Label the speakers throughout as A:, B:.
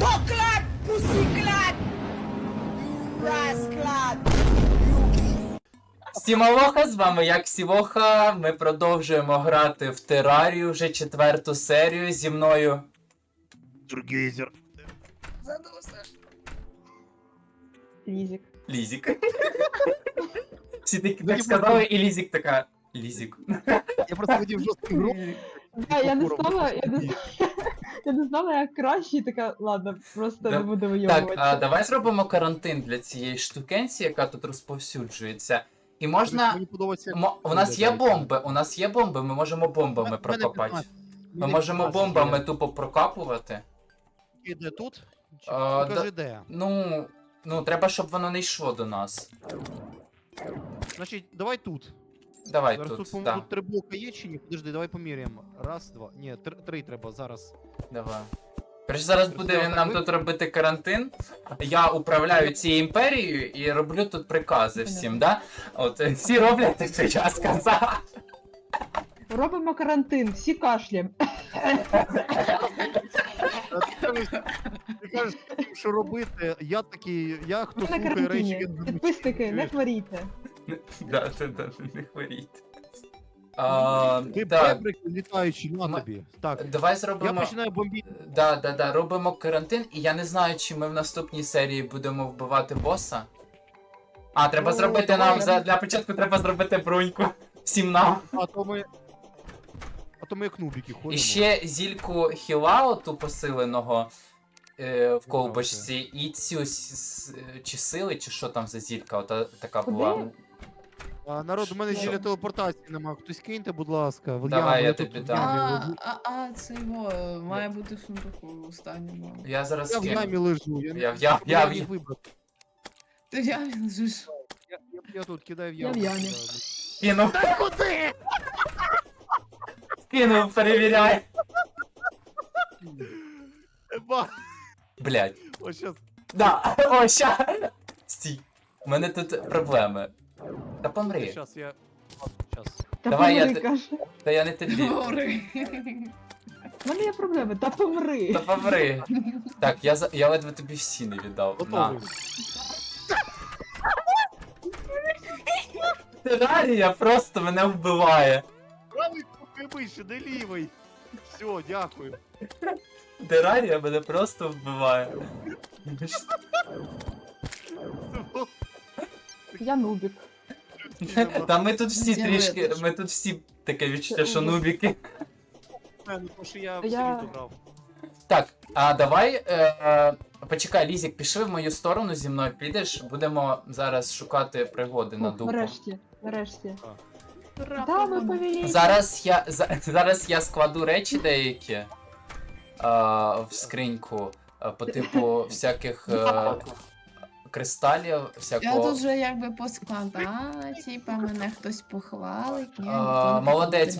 A: Поклад! Пусіклад! Расклад!
B: Сімалоха, з вами як Сівоха. Ми продовжуємо грати в Терарію вже 4-ту серію зі мною.
C: Тургейзер.
D: Лізік.
B: Лізік. Всі такі так сказали, і Лізік така. Лізік.
C: Я просто хотів жорсткий гру.
D: Я не знала, як краще, і така, ладно, просто
B: Да.
D: не буду
B: Так,
D: вийобувати.
B: давай зробимо карантин для цієї штукенці, яка тут розповсюджується. І можна.
C: Мені подобається.
B: У нас є бомби, ми можемо бомбами прокопати. Ми можемо бомбами тупо прокапувати.
C: Іде тут?
B: А,
C: Покажи де.
B: Ну, треба, щоб воно не йшло до нас.
C: Значить, давай тут.
B: Давай
C: Зараз тут,
B: тут,
C: по-моєму,
B: да.
C: тут 3 блока є чи ні? Подожди, давай поміряємо. Раз, два. Ні, 3 треба зараз.
B: Давай. Короче, зараз буде він нам тут робити карантин. Я управляю цією імперією і роблю тут прикази всім, да? От всі роблять так, що я сказав.
D: Робимо карантин, всі кашлям.
C: Ти кажеш, що робити. Я такий, я хто
D: Ми на
C: слухає речі.
D: карантині. Підписники, не хворійте.
B: Да, не хворіть.
C: Ти
B: Так,
C: бебрик літаючий на
B: Ми-
C: тобі. Так,
B: давай
C: я
B: зробимо.
C: починаю бомбити.
B: Да, робимо карантин, і я не знаю, чи ми в наступній серії будемо вбивати боса. Треба
C: Ну,
B: зробити
C: давай.
B: нам, для початку треба зробити броньку. Всім нам.
C: А то ми як нубіки ходимо.
B: І ще зільку Хілао, ту посиленого в колбочці, і цю чи сили, чи що там за зілька, ота така
D: Куди?
B: була.
C: Народ, у мене
B: Що?
C: зілля телепортації нема. Хтось киньте, будь ласка.
B: Давай, я
C: тут
B: тобі
C: в
B: дам.
C: ямі
E: Це його має бути в сундуку останньому.
B: Я зараз
C: Я в ямі
B: кину.
C: лежу.
B: Я
C: їх вибрати.
E: Ти в ямі лежиш.
C: Я тут кидаю в
D: Я
C: яму.
D: в ямі.
B: Кинув.
C: Та куди?
B: Кинув, перевіряй.
C: Ба,
B: Блять.
C: ось щас.
B: Да, о, ща. Стій. У мене тут проблеми. Та помри.
C: Щас я. Щас.
D: Та
B: Давай,
D: помри,
B: я
D: каже.
B: Та я не тобі.
E: Говори.
D: У мене є проблеми, та помри.
B: Та помри. Так, я ледве тобі всі не віддав.
C: Готовий.
B: Терарія просто мене вбиває.
C: Правий кнопкою вище, де лівий. Все, дякую.
B: Терарія мене просто вбиває.
D: Я нубік.
B: Та ми тут всі
E: Я
B: трішки,
E: витащу.
B: ми тут всі таке відчуття, що нубіки.
C: Тому що я в
D: Я-
C: селі грав.
B: Так, давай, почекай, Лізік, пішли в мою сторону зі мною, підеш, будемо зараз шукати пригоди на
D: Фух,
B: дупу.
D: нарешті.
E: Ура,
D: Да, ми
E: погода.
D: повеліть.
B: Зараз я складу речі деякі в скриньку, по типу всяких кристалів,
E: Я
B: всякого.
E: тут вже якби поскладала, типа мене хтось похвалить. Ні,
B: Молодець.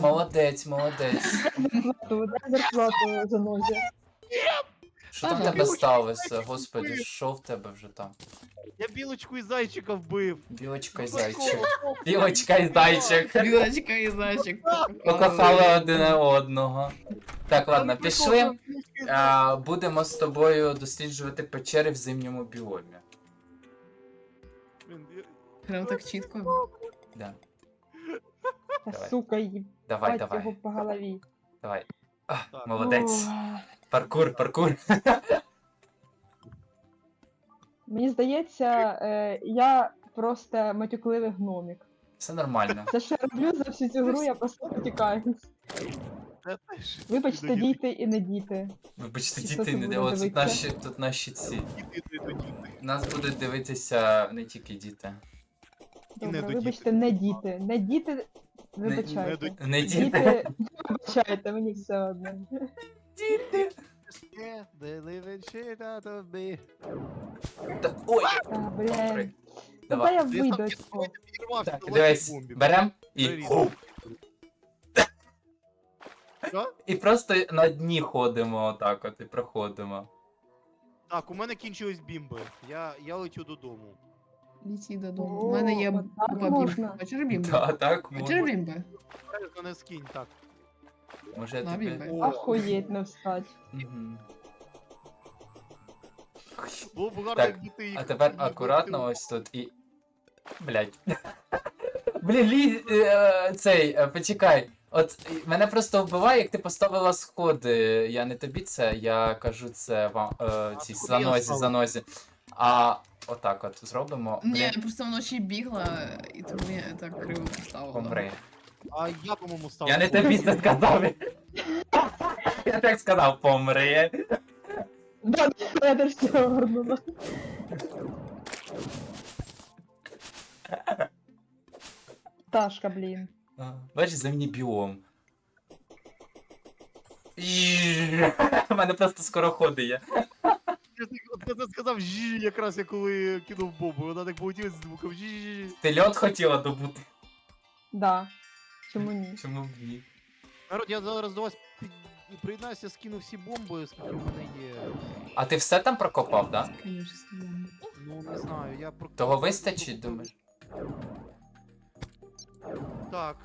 D: Дай зарплату за нозі.
B: Що там в
E: Ага.
B: тебе сталося? Господи, що в тебе вже там?
C: Я білочку і зайчика вбив.
B: Білочка і
C: Ну,
B: зайчик.
C: прикол.
B: Білочка і зайчик.
E: Білочка і зайчик.
B: Покохали один одного. Так, ладно,
C: Там
B: пішли.
C: прикол, білочка і зайчик.
B: Будемо з тобою досліджувати печери в зимньому біомі.
C: Блін,
E: Прям так чітко.
B: Да.
D: Та
B: Давай.
D: сука, їбать
B: Давай.
D: його по голові.
B: Давай.
C: Так.
B: Молодець.
D: О,
B: Паркур.
D: Мені здається, я просто матюкливий гномік.
B: Все нормально.
D: Це що я роблю за всю цю гру, я просто потікаю.
C: Та теж.
D: Вибачте,
C: Діти,
D: діти і не діти.
B: Вибачте,
D: Хто
B: діти
D: це
B: не
D: буде
B: дивляться.
D: дивитися?
B: Тут наші ці.
C: діти.
B: Нас будуть дивитися не тільки діти.
D: Добре,
C: до
D: вибачте, не діти. Не діти, вибачайте.
B: Не діти.
D: Діти, вибачайте, мені все одно.
B: Діти.
C: They live in shit out of me.
B: Ой.
D: А, блін.
B: Давай.
D: Давай я
C: Я
D: вийду
C: сам
D: цього.
C: підірвався
B: Так,
C: на
B: дивись,
C: легкій бомбі.
B: берем і.
C: Привіт.
B: Хоп.
C: Що?
B: І просто на дні ходимо отак от і проходимо.
C: Так, у мене кінчились бімби. Я летю додому.
E: Літі додому.
D: О,
E: У мене є
D: отак
E: купа
D: можна.
E: бімби. Хочеш бімби?
B: Та, так,
E: Хочеш
B: можна.
E: бімби?
C: Бережно не скинь, так.
B: Може я
E: На
B: тобі.
E: бімби.
C: О.
D: Охуєть не встать.
B: Мгм.
C: Було б гарно,
B: Так,
C: якби ти їх...
B: А тепер акуратно ось тут і. Блять. Блін, почекай. От мене просто вбиває, як ти поставила сходи. Я не тобі це, я кажу це вам цій
C: сходи я ставлю.
B: занозі. А отак от зробимо.
E: Ні,
B: Блін,
E: я просто вночі бігла, і тому я так криво поставила.
B: помри.
C: А я, по-моєму, став.
B: Я не тобі це сказав. Я так сказав, помри.
D: Да, я теж цього горнула. Пташка, блін.
B: Бачиш, земний біом. У мене просто скороходи є.
C: Я це сказав жі, якраз я коли кинув бомбу. Вона так полетіла з звуком жі.
B: Ти льот хотіла добути.
D: Да. Чому ні?
B: Чому б ні?
C: Народ, я зараз до вас приєднаюся, скину всі бомби, скільки в мене є.
B: А ти все там прокопав, да?
E: Конечно, бомба.
C: Ну, не знаю, я про...
B: Того вистачить, думаєш?
C: Так.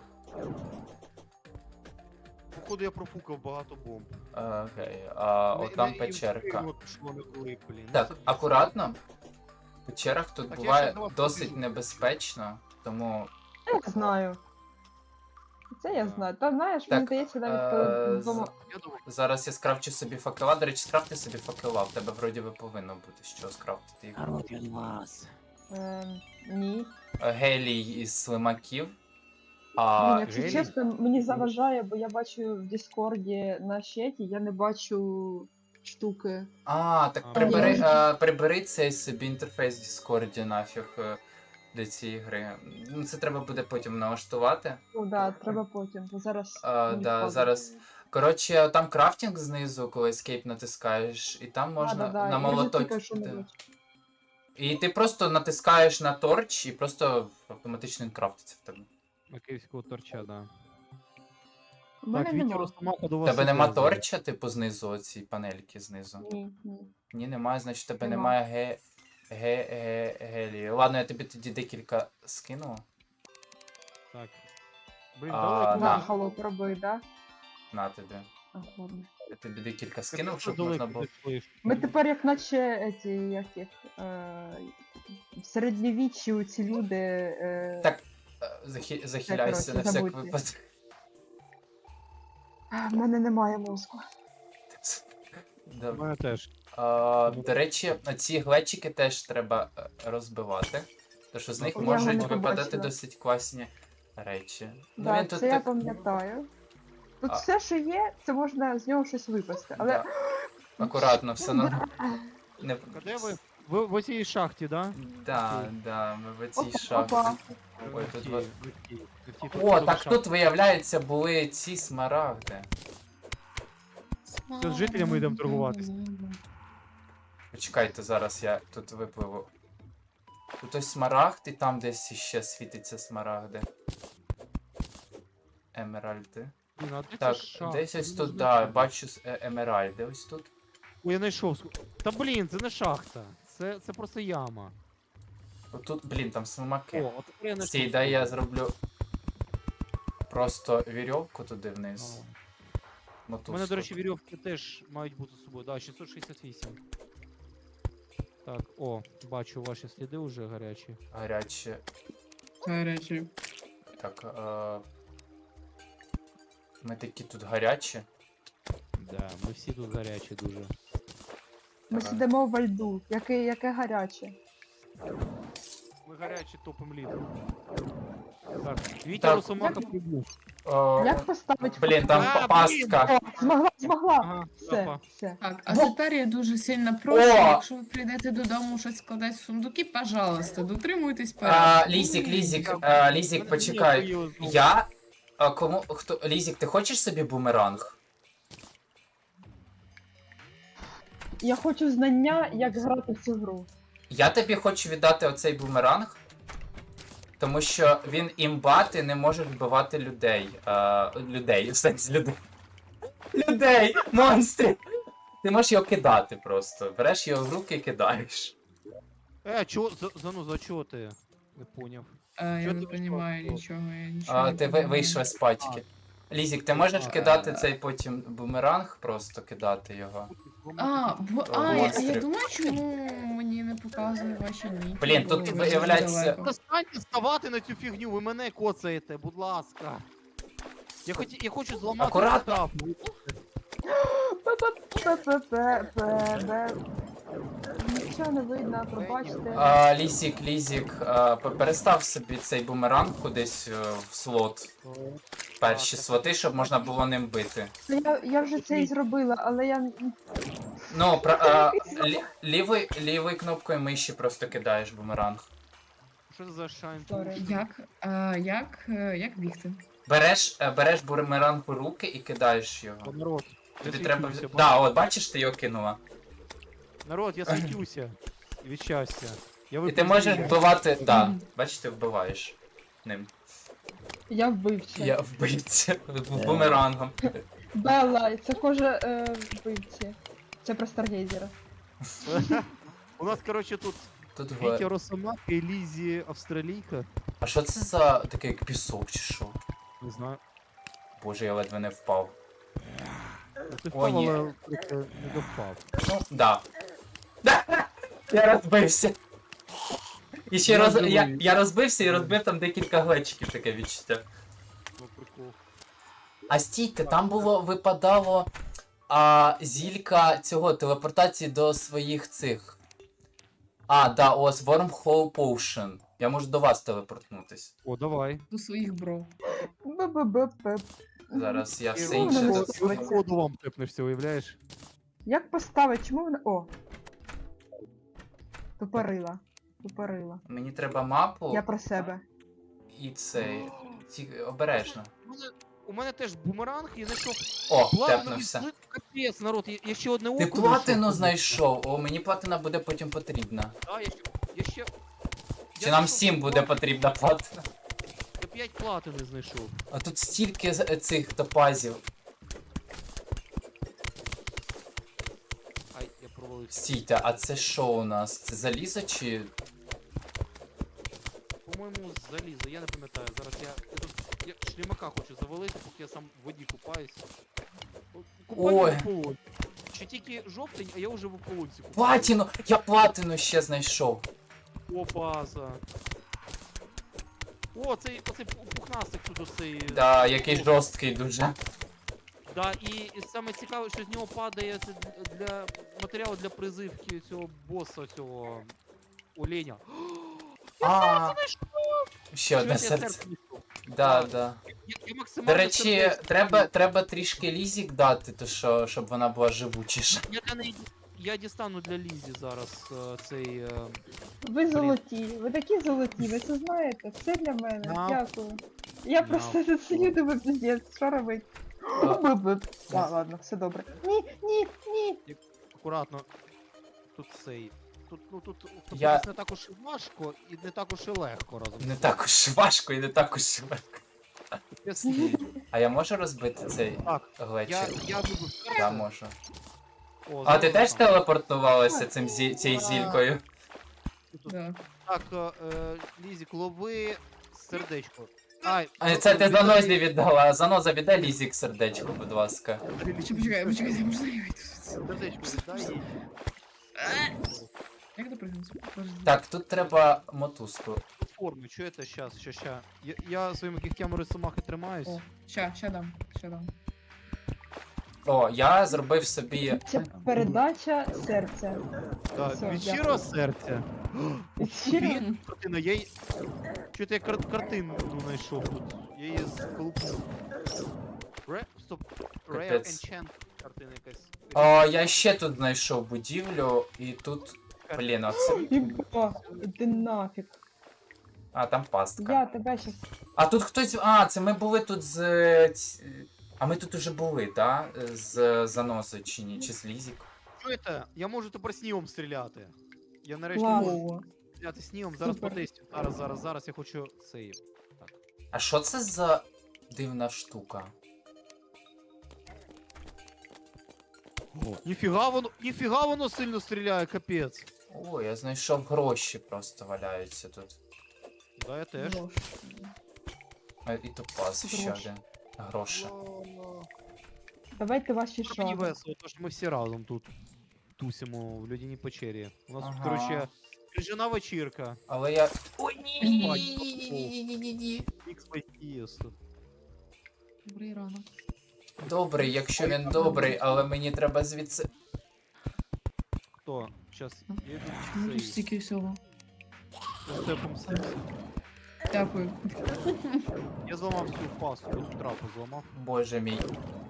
C: Походу я профукав багато бомб.
B: Окей, а от там
C: Не
B: печерка.
C: встигну, що вони коли, блін. Ну,
B: Так,
C: це-
B: акуратно. В печерах тут
C: Так, я
B: буває
C: ще давав
B: досить
C: побіжу.
B: небезпечно, тому.
D: Я знаю. Це я знаю. Та знаєш,
B: Так,
D: мені здається, навіть коли вдома.
C: Я думаю,
B: Зараз я скрафчу собі факела. До речі, скрафти собі факела, в тебе вроді би повинно бути що скрафтити їх.
F: Народ, я до вас.
D: Ні.
B: Гелій із слимаків.
D: Блін,
B: А
D: якщо
C: Гелій?
D: чесно, мені заважає, бо я бачу в Діскорді на чаті, я не бачу штуки.
B: так
C: А,
B: прибери,
D: можна.
B: прибери цей собі інтерфейс в Discord нафіг для цієї гри. Ну, це треба буде потім налаштувати.
D: Ну да, треба потім, бо зараз.
B: Да,
D: відходить.
B: зараз. Коротше, там крафтинг знизу, коли Escape натискаєш, і там можна
D: Да-да-да,
B: на
D: я вже тільки
B: молоточку.
D: що не бачу.
B: І ти просто натискаєш на торч, і просто автоматично він крафтиться в тебе.
C: Макеївського торча, да.
D: У мене
C: Так, Вітя
D: нема.
C: Росомаха до
B: У
C: вас.
B: тебе
C: іде
B: нема
C: зараз.
B: торча, типу, знизу, оці панельки знизу.
D: Ні, ні.
B: Ні, немає, значить у тебе
D: Нема.
B: немає гелію. Ладно, я тобі тоді декілька скину.
C: Так. Блін,
B: А,
C: далеко.
B: на.
D: Нахало пробий, да?
B: На тобі.
D: А, ладно.
B: Я тобі декілька
C: Ти
B: скинув,
C: просто
B: щоб
C: далеко
B: можна було.
C: підійшов.
D: Ми тепер як наче ці, як їх, в середньовіччі ці люди.
B: Так, захиляйся на
D: коротше,
B: всяк
D: забудьте.
B: випадок.
D: В мене немає мозку.
C: У
B: Добре.
C: мене теж.
B: До речі, ці глечики теж треба розбивати, тому що з них
C: Я
B: можуть
D: його не
B: випадати
D: побачила.
B: досить класні речі.
D: Да,
B: він тут
D: це я
B: так-
D: пам'ятаю. Тут
B: А.
D: все, що є, це можна з нього щось випасти. Але
B: Да. Акуратно, все нормально. Не...
C: А де ви? Ви в оцій шахті, да?
B: Да, ми в цій
D: Опа,
B: шахті.
D: опа.
B: Ой, тут
C: Ті,
B: вот-
C: ви ті, ви ті,
B: О,
C: тут
B: так
C: шахта.
B: тут, виявляється, були ці смарагди.
C: Це з жителями йдемо торгуватись.
B: Почекайте, зараз я тут випливу. Тут ось смарагд, і там десь ще світиться смарагди. Емеральди.
C: Блін, а де
B: Так,
C: ця шахта?
B: десь ось
C: Я не
B: тут,
C: знаю.
B: да, бачу емеральди ось тут.
C: Ой, я знайшов. Та блін, це не шахта. Це просто яма.
B: Отут, блін, там слимаки.
C: О, от тепер я знайшов.
B: Стій, дай я зроблю просто вірьовку туди вниз.
C: У мене,
B: Мотузку.
C: до речі, вірьовки теж мають бути з собою. Да, 668. Так, о, бачу ваші сліди вже гарячі.
B: Гарячі.
E: Гарячі.
B: Так, ми такі тут гарячі.
C: Да, ми всі тут гарячі дуже.
D: ми сидимо во льду. Яке гаряче.
C: Ми гарячі топим лід. Так, Вітя
B: Так.
C: Росомаха прибув.
D: Як поставить
B: Блін, там
C: А,
B: пастка.
D: О, змогла!
C: Ага,
D: Все,
C: опа.
D: все.
E: Так, а тепер я дуже сильно прошу,
B: О!
E: якщо ви прийдете додому щось складати в сундуки, пожалуйста, дотримуйтесь порядку.
B: Лізік, почекай. Лізік, ти хочеш собі бумеранг?
D: Я хочу знання, як грати в цю гру.
B: Я тобі хочу віддати оцей бумеранг, тому що він імба, ти не можеш вбивати людей. Людей, в сенсі людей. Людей! Монстрів! Ти можеш його кидати просто. Береш його в руки і кидаєш.
C: Чого, за чого ти? Не поняв.
E: Я
C: Чого
E: не
C: ти
E: розумію
C: вийшла?
E: нічого, я нічого не
B: Ти
E: розумію.
B: вийшла з пачки. Лізік, ти можеш
C: А,
B: кидати цей потім бумеранг, просто кидати його.
E: Я
B: Монстрів.
E: думаю, чому мені не показує ваші ніки.
B: Блін,
E: бо
B: тут
E: ви
B: виявляється-
E: далеко.
C: Достаньте вставати на цю фігню, ви мене коцаєте, будь ласка. Я хочу зламати
B: Акуратно.
C: трап.
D: Пе-пе-пе-пе-пе-пе. Нічого не видно, пробачте.
B: Лізік, перестав собі цей бумеранг кудись в слот. Перші слоти, щоб можна було ним бити.
D: Я вже це і зробила, але я...
B: Ну, лівою кнопкою миші просто кидаєш бумеранг.
C: Що це за шайн?
D: Сорі.
E: Як бігти?
B: Береш бумеранг у руки і кидаєш його.
C: Народ, я
B: Тобі треба.
C: світюся,
B: Да, от бачиш, ти його кинула.
C: народ, я світюся. Від щастя. Я
B: І ти можеш
C: випадаю.
B: вбивати. Да, бачиш, ти вбиваєш ним.
D: Я вбивця.
B: Я вбивця бумерангом.
D: Белла, це кожа вбивці. Це про Старгейзера.
C: У нас, короче, тут
B: Тут
C: Вітя Росомаха і Лізі Австралійка.
B: А що це за такий як пісок чи що?
C: Не знаю.
B: Боже, я ледве не впав.
C: Ти
B: О, ні.
C: впав, але не довпав.
B: Ну, да. Я розбився. І ще я розбився і розбив там декілька глечиків, таке відчуття.
C: Ну, прикол.
B: А стійте, там випадало зілька цього телепортації до своїх цих. Да, ось Wormhole Potion. Я можу до вас телепортнутись.
C: О, давай.
E: До своїх бро.
D: Б-б-б-б.
B: Зараз я все
D: Ну,
B: інше
D: ну,
B: тут.
D: ну,
C: Воду вам тепнешся, уявляєш?
D: Як поставити? Чому вона... О! Тупорила.
B: Мені треба мапу
D: Я про себе.
B: і цей. Обережно.
C: У мене теж бумеранг і знайшов
B: О,
C: платину.
B: тепнувся.
C: Капець, народ, я ще одне око
B: Ти платину
C: знайшов.
B: знайшов. О, мені платина буде потім потрібна.
C: Да, я ще...
B: Чи нам всім буде потрібна платина?
C: Я 5 платини знайшов.
B: А тут стільки цих топазів.
C: Ай, я провалився.
B: Стійте, а це що у нас? Це залізо чи.
C: По-моєму, залізо, я не пам'ятаю. Зараз я шлімака хочу завалити, поки я сам в воді купаюсь. Купаю
B: Ой.
C: в ополонь. Ще тільки жовтень, а я вже в ополонці купаю.
B: Платину! Я платину ще знайшов.
C: О, база. О, оцей пухнастик тут оцей.
B: Да, який жорсткий дуже.
C: Да, і саме цікаве, що з нього падає це для матеріалу для призивки цього боса, цього оленя.
B: А, ще одне
C: Чуєте, я
B: серце.
C: знайшов.
B: Да,
C: Так.
B: да.
C: Я максимально
B: До речі,
C: сердечко.
B: треба трішки лізік дати, то що, щоб вона була живучіша.
C: Я для неї... Я дістану для Лізі зараз цей...
D: Ви золоті, ви такі золоті, ви це знаєте, все для мене,
C: Да.
D: дякую. Я
C: Да.
D: просто тут сидю, думаю, пиздец, що робить? Б-б-б. Ладно, все добре. Ні.
C: Акуратно. Тут цей... Тут, ну, тут
B: Я-
C: втопитись не так уж і важко і не так уж і легко разом.
B: Не так уж важко і не так уж легко.
C: Чесно.
B: А я можу розбити цей
C: Так,
B: глечик?
C: я вибив
B: Я
C: серце.
B: можу.
C: О,
B: А ти теж
C: там.
B: телепортувалася цією
C: А.
B: зількою?
C: Тут-
E: Да.
C: Так, Лізік, лови сердечко. Ай,
B: Це ти занозі віддала. Заноза віддай лізік сердечко, будь ласка.
E: Почекайте, можна я вийду?
C: Сердечко віддай їй.
E: Як допригнути?
B: Так, тут треба мотузку.
C: Форми, чуєте? Щас. Я своїми кігтями рисомахи тримаюсь.
E: О, ща дам.
B: О, я зробив собі.
D: Це передача серця.
C: Так,
D: все,
C: від
D: дякую.
C: щирого серця.
D: Щиро?
C: Картина, я її... Чуєте, я картину знайшов тут. Я її сколупнув. Стоп. Rare
B: Капець.
C: Enchant картина якась.
B: О, я ще тут знайшов будівлю, і тут. Блін, оце.
D: Єба, іди нафіг.
B: А, там пастка.
D: Я тебе щас...
B: А тут хтось. Це ми були тут з. А ми тут уже були, так? Да? З заносою чи ні? Чи з лізік?
C: Чуєте, я можу тепер снігом стріляти. Я нарешті можу
D: Клас.
C: стріляти снігом. Зараз
D: Супер.
C: потестю. Зараз я хочу цей. Так.
B: А що це за дивна штука?
C: Ніфіга воно сильно стріляє, капець.
B: О, я знайшов гроші просто валяються тут.
C: Да, я теж.
E: Ложь.
B: І топаз ще
D: Гроші.
B: один. Гроші.
D: Давайте ваші
C: Мені
D: шаги.
C: весело, тому що ми всі разом тут. тусимо в людяній печері. У нас тут,
B: Ага.
C: коротше, крижана вечірка.
B: Але я. Ой,
C: ні. XYTS.
E: Добрий ранок.
B: Добрий, якщо він добрий, але мені треба звідси.
C: Хто? Щас, я йду
E: Ну тут
C: цей,
E: стільки всього.
C: з Стефом Сексі.
E: Дякую.
C: Я зламав всю пасту, цю трапу зламав.
B: Боже мій.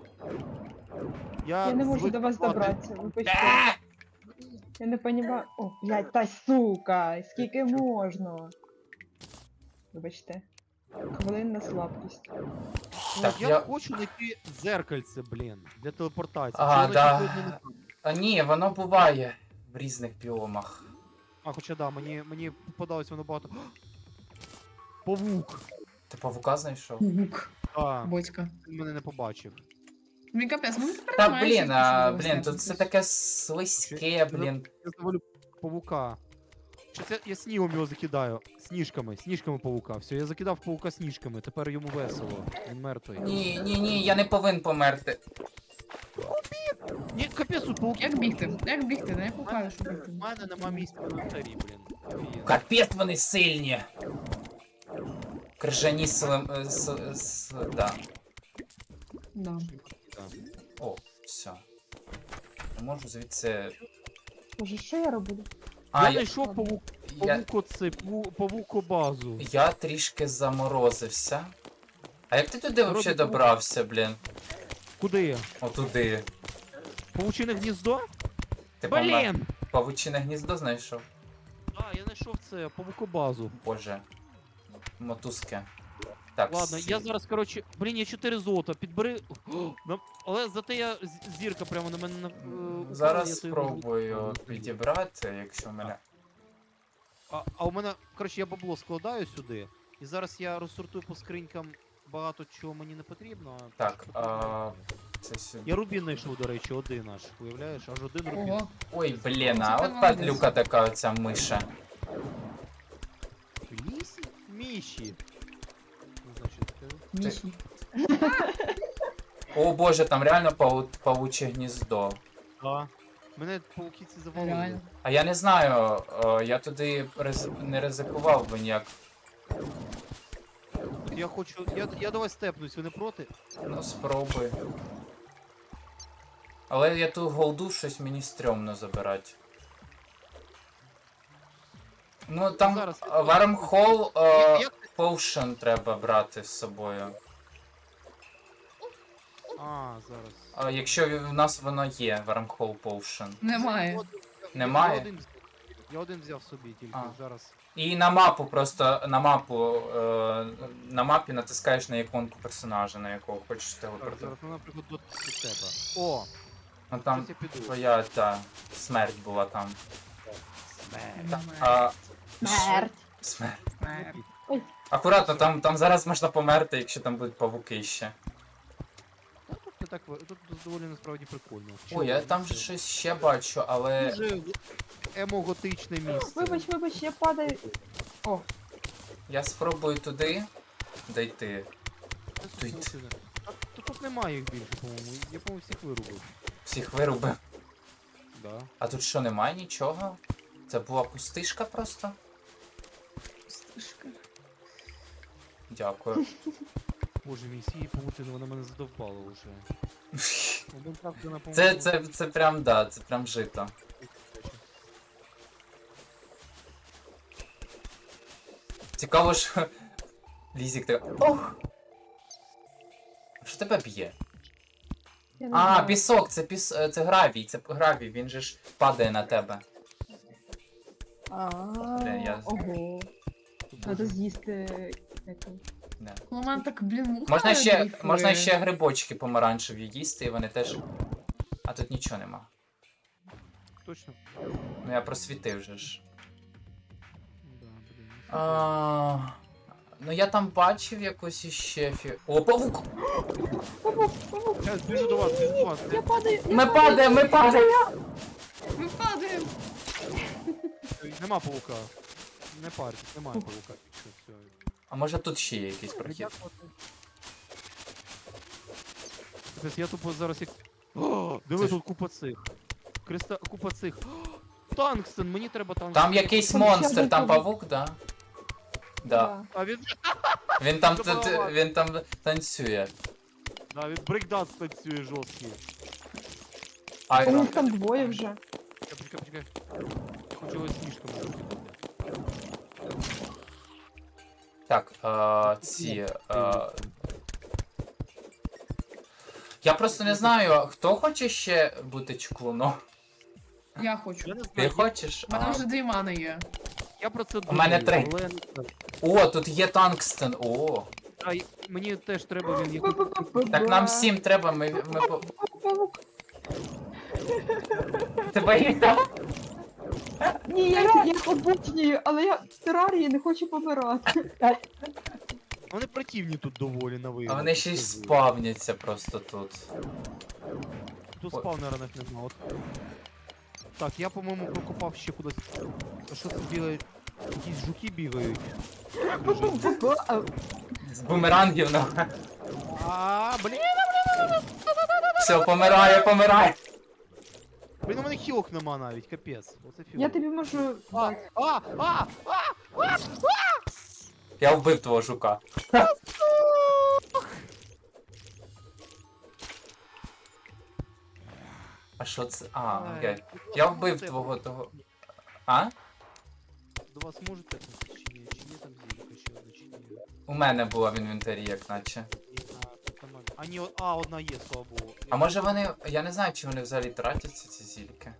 D: Я не можу
C: звик
D: до вас
C: спати.
D: добратися, вибачте. Я не понимаю. О, блядь, та сука, скільки можна? Вибачте. Хвилинна слабкість.
B: Так,
C: я,
B: я-
C: хочу знайти зеркальце, блін, для телепортації.
B: Ага,
C: Чи воно
B: да.
C: сьогодні не-
B: А ні, воно буває в різних біомах.
C: А, хоча да, мені попадалось воно багато. Павук!
B: Ти павука знайшов?
E: Гук.
C: А,
E: Бочка.
C: він мене не побачив.
E: Він капець, ну не
B: Та
E: переймайся,
B: блін,
E: якщо
B: блін,
E: тебе
B: тут все
E: знаєш.
B: таке слизьке, блін.
C: Я завалю павука. Чи це я снігом його закидаю? Сніжками павука. Все, я закидав павука сніжками, тепер йому весело. Він мертвий.
B: Ні, я не повинен померти.
C: Ні, капець, тут пауки.
E: Як бігти? Як бігти? Не покажу, що
C: У
E: бігти.
C: мене нема місця в інвентарі, блін. Офігенно.
B: Капець вони сильні. Крижані да.
E: Да.
C: Да.
B: О, все. Я можу звідси.
D: Боже, що я роблю?
B: А,
C: Я
B: я,
C: знайшов
B: я,
C: павукобазу.
B: я трішки заморозився. А як ти туди взагалі добрався, блін?
C: Куди?
B: Отуди.
C: Павучине гніздо?
B: Ти
C: Блін!
B: павучине гніздо знайшов?
C: А, я знайшов це, павукобазу.
B: Боже. Мотузки. Так,
C: Ладно, я зараз, коротше, блін, я 4 золота, підбери. О, але зате я зірка прямо на мене упала,
B: Зараз
C: я то його
B: спробую
C: зроблю.
B: підібрати, якщо в мене.
C: А у мене, коротше, я бабло складаю сюди, і зараз я розсортую по скринькам багато чого мені не потрібно. а
B: Так,
C: що потрібно.
B: це сюди.
C: Я рубін знайшов, до речі, один аж, уявляєш? Аж один рубін.
E: Ого.
B: Ой, блін,
E: Це
B: а
E: ти
B: от
E: молодець.
B: падлюка така оця миша.
C: Лісі? Міші. Ну, значить,
E: Міші.
B: О боже, там реально павуче гніздо.
C: да. Мене пауки ці завалили.
E: Реально.
B: А я не знаю, я туди не ризикував би ніяк.
C: Я хочу. Я до вас степнусь, ви не проти?
B: Ну, спробуй. Але я ту голду щось мені стрьомно забирати. Ну там
C: Зараз.
B: Wormhole
C: Як-
B: Potion треба брати з собою.
C: А, зараз.
B: Якщо в нас воно є, Wormhole Potion.
E: Немає.
B: Немає?
C: Я один взяв собі тільки
B: А.
C: зараз.
B: І на мапу просто на мапі натискаєш на іконку персонажа, на якого хочеш
C: Так,
B: телепортувати.
C: зараз, ну, наприклад, до тебе. О,
B: Ну там
C: щось я піду.
B: твоя та смерть була там.
E: Немає.
B: А,
D: Смерть.
B: смерть.
E: Немає.
B: Акуратно, там зараз можна померти, якщо там будуть павуки ще.
C: Тут так, тут доволі насправді прикольно.
B: Ой, я там щось ще бачу, але.
C: Дуже емо-готичне місце.
D: Вибач, я падаю. О,
B: Я спробую туди дійти.
C: Це сусідина. Тут немає їх більше, по-моєму. Я, по-моєму, всіх вирубив.
B: Всіх вирубив.
C: Да.
B: А тут що, немає нічого? Це була пустишка просто?
E: Пустишка.
B: Дякую.
C: Боже мій, сії паутини, вона мене задовбала вже. Один раз вона,
B: Це,
C: по-моєму,
B: це прям, да, це прям жито. Цікаво, що Лізік така. Ох! Що тебе б'є?
D: я не
B: А,
D: знаю.
B: пісок, це гравій, він же ж падає на тебе. Блін, я-
D: Ого. Треба з'їсти.
B: Не.
E: У мене так, блін, муха
B: Можна
E: дрейфує.
B: ще грибочки помаранчеві їсти, і вони теж. А тут нічого нема.
C: Точно?
B: Ну я просвітив же ж.
C: Да, блін.
B: Ну я там бачив якусь іще О, павук!
C: Зараз біжу до вас, біжу до вас.
D: Я падаю.
B: Ми падаємо, ми падаємо!
E: Ми падаємо.
C: Нема паука. Не парьтесь, немає паука. Все.
B: А може тут ще є якийсь прохід?
C: Капець, я тупо зараз як. О, диви, тут купа цих. Купа цих. Тангстен, мені треба тангстен.
B: Там якийсь
D: Там ще
B: монстр,
D: один
B: там
D: павук.
B: павук, да? Да.
C: А він,
B: Він там танцює.
C: да, він брейкданс танцює жорсткий.
B: Айрон.
D: Їх там двоє вже.
C: Почекай. Хочу його сніжками зробити.
B: Так, я просто не знаю, хто хоче ще бути чклуном?
E: Я хочу.
C: Я не
B: Ти
C: знаю,
B: хочеш?
E: У мене
B: А.
E: вже 2 мани є.
C: я про це
B: У мене
C: думаю,
B: 3.
C: але не знаю.
B: О, тут є тангстен. О.
C: А, мені теж треба він якось...
B: Так нам всім треба, ми
D: Павук.
B: Тебе їх там?
D: Ні, я їх обучнюю, але я в терарії не хочу помирати.
C: Вони противні тут доволі на вигляд.
B: А вони ще й спавняться просто тут.
C: Тут спавнера навіть нема. От. Так, я, по-моєму, прокопав ще кудись. А що це бігає? Якісь жуки бігають.
B: З бумерангів на.
C: Блін!
B: Все, помирає.
C: Блін, у мене хілок нема навіть, капець. Оце фіго.
D: Я тобі можу дати.
B: Я вбив твого жука. А що це? А, окей. Я вбив твого того. А?
C: До вас можете там чи ні? Чи є там зірка ще одна, чи ні?
B: У мене була в інвентарі, як наче.
C: Тут нема. Одна є, слава Богу.
B: А може вони. Я не знаю, чи вони взагалі тратяться, ці зільки.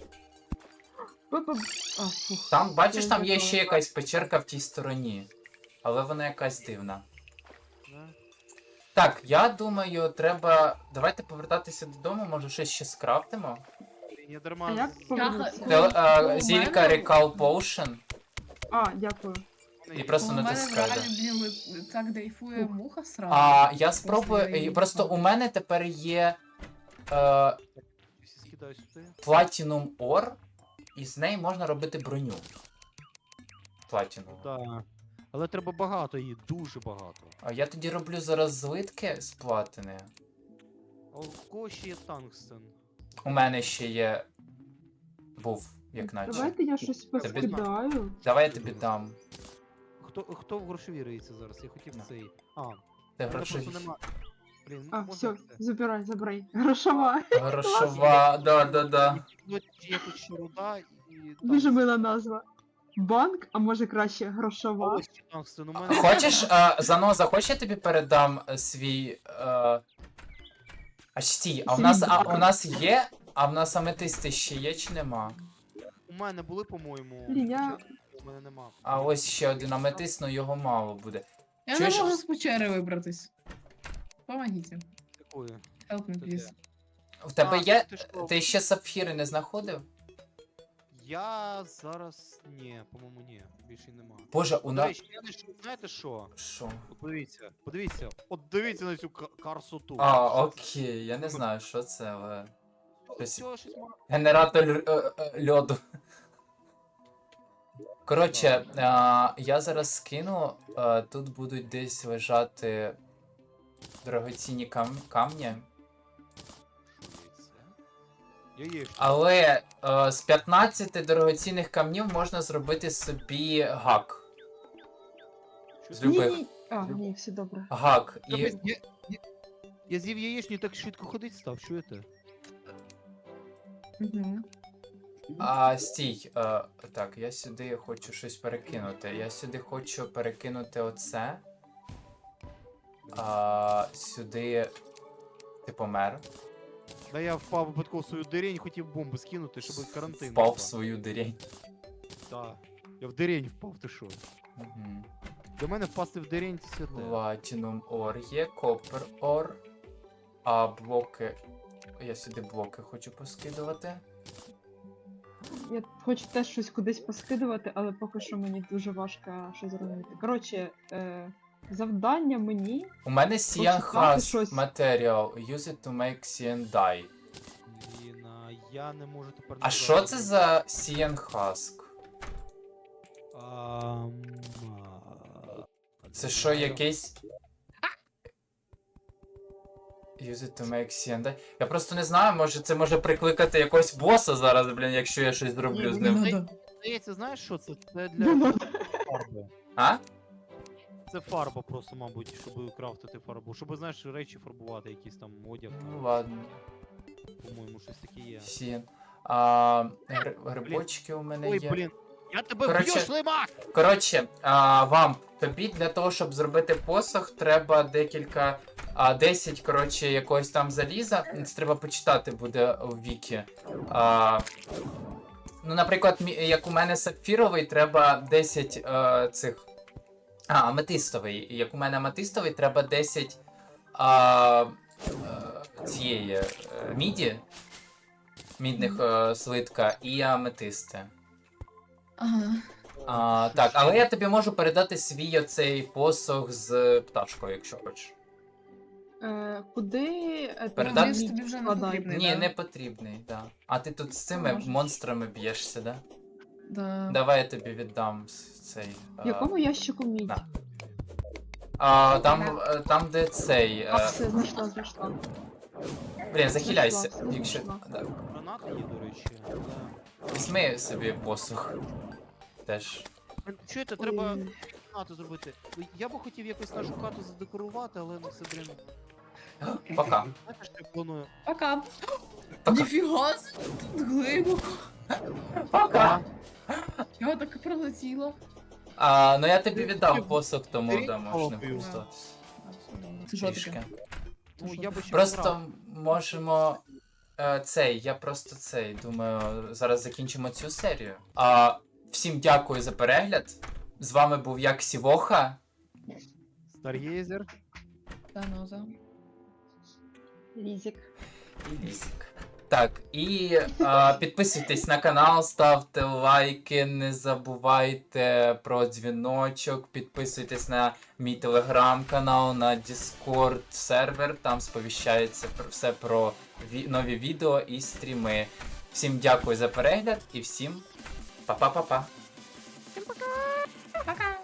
D: А, фух.
B: Там, бачиш, там є ще якась печерка в тій стороні. Але вона якась дивна.
C: Да?
B: Так, я думаю, треба. Давайте повертатися додому, може щось ще скрафтимо.
C: Блін, я
D: А
C: дарма...
D: як
C: з-
D: повернутися?
E: У
B: Зілька
E: мене-
B: Recall Potion.
D: А, дякую.
B: І просто
E: У мене в
B: натискаю.
E: реалі, блін, так дрейфує муха сразу.
B: А я спробую.
E: Просто я
B: Просто у мене тепер є
C: Всі скидаю сюди.
B: Platinum Ore, і з неї можна робити броню. Platinum.
C: Да. Але треба багато її, дуже багато.
B: А я тоді роблю зараз злитки з платини.
C: А у кого ще є тангстен?
B: У мене ще є. Був, як наче.
D: Давайте я щось поскидаю.
B: Давай я тобі дам.
C: Хто в грошові риється зараз? Я хотів
B: На.
C: цей.
B: Ти
C: мене
B: грошові.
C: просто нема. Блін,
D: А,
C: можна
D: все,
C: це?
D: забирай. Грошова.
B: Грошова, да.
C: Ну, є тут ще руда і...
D: Дуже мила назва. Банк, а може краще
C: А
D: грошова.
C: ось ще тангстен у мене.
B: Хочеш, Заноза, хочеш я тобі передам свій. А стій, а у нас є? А в нас аметисти ще є чи нема?
C: У мене були, по-моєму.
D: Блін, я-
C: У мене нема.
B: А ось ще один аметист, ну його мало буде.
E: Я не
B: чуєш?
E: можу з печери вибратись. Помогите.
C: Такої.
E: Help me, please.
B: В тебе
C: А,
B: є.
C: ти що?
B: Ти ще сапфіри не знаходив?
C: Я зараз... Ні, по-моєму, ні. Більше нема.
B: Боже, у
C: До
B: нас.
C: речі, я знайшов, знаєте що?
B: Що?
C: От подивіться. От дивіться на цю красоту.
B: А,
C: Що це?
B: окей, я не знаю, що це, але. щось-
C: Цього щось мало.
B: Генератор льоду. Коротше, я зараз скину, тут будуть десь лежати дорогоцінні камні.
C: Яєчня.
B: Але з 15 дорогоцінних камнів можна зробити собі гак. З любих.
D: Ні. А, ні, все добре.
B: Гак. І
C: Капець, я з'їв яєчню і так швидко ходить став, чуєте?
E: Угу.
B: стій. Так, я сюди хочу щось перекинути. Я сюди хочу перекинути оце. Сюди. Ти помер.
C: Да я впав випадково в свою дирень, хотів бомбу скинути, щоб карантин.
B: Впав
C: був.
B: в свою дирень.
C: Да. Я в дирень впав, ти що?
B: Угу.
C: До мене впасти в дирень це святе.
B: Platinum Ore є, Copper Ore. А блоки. Я сюди блоки хочу поскидувати.
D: Я хочу теж щось кудись поскидувати, але поки що мені дуже важко щось зробити. Коротше, завдання мені.
B: У мене Cyan
D: Пошукати
B: Husk
D: щось.
B: Material. Use it to make Cyan dye.
C: Блін, я не можу тепер...
B: А що це за Cyan Husk? Це що, якийсь. Use it to make CND. Я просто не знаю, може це може прикликати якогось боса зараз, блін, якщо я щось зроблю з ним.
E: Ну,
C: Здається, знаєш що це? Це
D: Не
C: для
D: надо.
C: фарби.
B: А?
C: Це фарба просто, мабуть, щоб крафтити фарбу. Щоб, знаєш, речі фарбувати, якісь там одяг.
B: Ну ладно.
C: По-моєму, щось таке є.
B: Сін. Грибочки у мене
C: Ой,
B: є.
C: блін. Я тебе
B: Коротше,
C: вб'ю, Шлимак!
B: Коротше, вам тобі для того, щоб зробити посох, треба декілька. 10, коротше, якогось там заліза. Це треба почитати буде у вікі. Ну, наприклад, як у мене сапфіровий, треба 10 цих. Аметистовий. Як у мене аметистовий, треба 10 цієї міді. Мідних слитка і аметисти.
E: Ага.
B: Так, але я тобі можу передати свій оцей посох з пташкою, якщо хочеш.
D: Куди
B: Передати?
E: Він тобі вже не
D: складай?
E: потрібний.
B: Ні,
E: да?
B: не потрібний, да. А ти тут з цими
E: Можеш.
B: монстрами б'єшся, да?
E: Да.
B: Давай я тобі віддам цей.
D: В якому ящику мідь?
B: на. Там, де цей.
D: Все, знайшла.
B: Блін, захиляйся,
D: знайшла,
B: якщо.
D: знайшла.
B: Да.
C: Гранати є, до речі. Да.
B: Візьми собі посух. Теж.
C: Чуєте, треба
D: Ой.
C: гранату зробити. Я би хотів якось нашу хату задекорувати, але ну це, блін.
B: Пока.
C: Знаєте, що я планую?
E: Пока.
B: Пока.
E: Ніфіга, тут глибоко.
B: Пока.
E: Я так пролетіла.
B: Ну я тобі віддав посух, тому
C: Бери
B: да, можеш не
C: палкою.
B: користуватися.
E: Це що
B: Трішки.
E: таке?
C: Ну, я би ще
B: Просто
C: пограв.
B: можемо. Я просто думаю, зараз закінчимо цю серію. Всім дякую за перегляд. З вами був як Сівоха.
C: Стар'єзер.
E: Заноза.
D: Лізік.
B: І Лізік. Так, і підписуйтесь на канал, ставте лайки, не забувайте про дзвіночок, підписуйтесь на мій телеграм-канал, на Discord сервер, там сповіщається все про нові відео і стріми. Всім дякую за перегляд і всім па-па-па-па.
E: Пока.